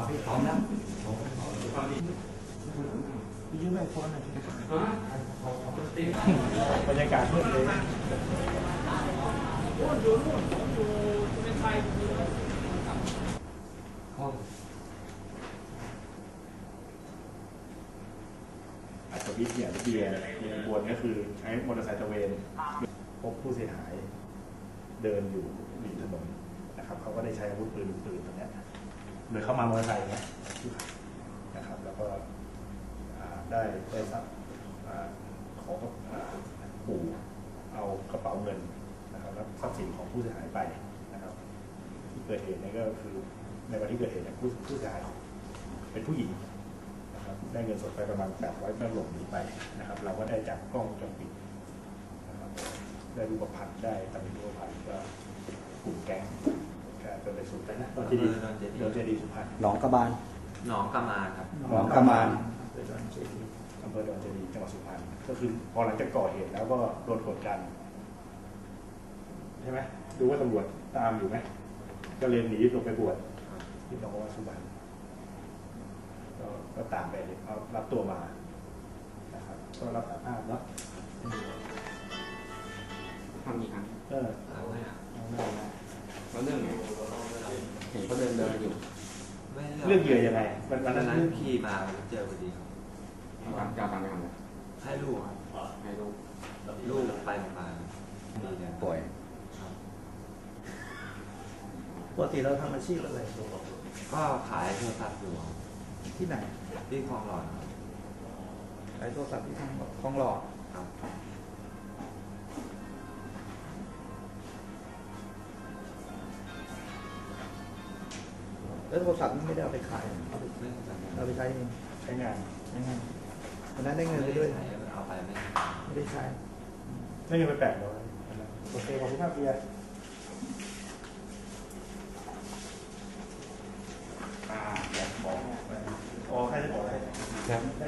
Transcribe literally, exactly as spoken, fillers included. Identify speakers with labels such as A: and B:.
A: พี่พร้อมแล้ว
B: พี่ยืมไอโฟนหน่อยบรรยากาศมืดเลย
A: ห้อง
B: อัศวินเนี่ยเบียร์เบียร์บวนก็คือใช้มอเตอร์ไซค์ตะเวนพบผู้เสียหายเดินอยู่ริมถนนนะครับเขาก็ได้ใช้อาวุธปืนปืนตรงนี้โดยเข้ามามอเตอร์ไซค์เนี่ยนะครับแล้วก็ได้ได้ทรัพย์ขอปู่เอากระเป๋าเงินนะครับแล้วทรัพย์สินของผู้เสียหายไปนะครับที่เกิดเหตุนี่ก็คือในวันที่เกิดเหตุเนี่ยผู้ผู้เสียหายเป็นผู้หญิงนะครับได้เงินสดไปประมาณแปดร้อยเมื่อหลบหนีไปนะครับเราก็ได้จากกล้องวงจรปิดนะครับได้รูปพรรณได้ตำแหน่งรูปพรรณก็กลุ่มแก๊งก็ไปสุดไปนะตอนที่ดีโดนเจดีสุพรรณ
A: หนองกระบาล
C: หนองกระมาครับ
A: หนองกระมา
B: อำเภอดอนเจดีจังหวัดสุพรรณก็คือพอหลังจากก่อเหตุแล้วก็โดนกดดันใช่ไหมดูว่าตำรวจตามอยู่ไหมก็เลยหนีลงไปบวชที่จังหวัดสุพรรณก็ตามไปเอารับตัวมานะครับก็รับสารภาพเนาะ
C: ทำกี่ครั้ง
B: เออ
C: เอาไว้อะ
B: เอาไม่เอา
C: แล้วเรื่องไงเห็นเขาเดินเดินอยู่
B: เรื่องเหยื่อยังไงวัน
C: นั้น
B: นั้น
C: ขี่มาเจอพอดี
D: ครับจะทำยังไง
C: ให้ลูก
D: ให้ลูก
C: ลูกไปโรงพยาบาลดีเลย
A: ป่วย
B: ปกติเราทำอาชีพอะไร
C: ก็ขายโทรศัพท์อยู่
B: ที่ไหน
C: ที่คลองหลอด
B: ขายโทรศัพท์ที่คลองหลอด
C: ครับ
B: แล้วโทรศัพท์นี่ไม่ได้เอาไปขายเอาไปใช้เองใช้งานใช้งานวันนั้นได้เงินไปด้วย
C: เอาไปไม่
B: ไม่ได้ใช้ได้เงินไปแปดร้อยโอเคขอบคุณครับเบียร์อ่าอยากบอกอ๋อใครจะบอกอะไรครับ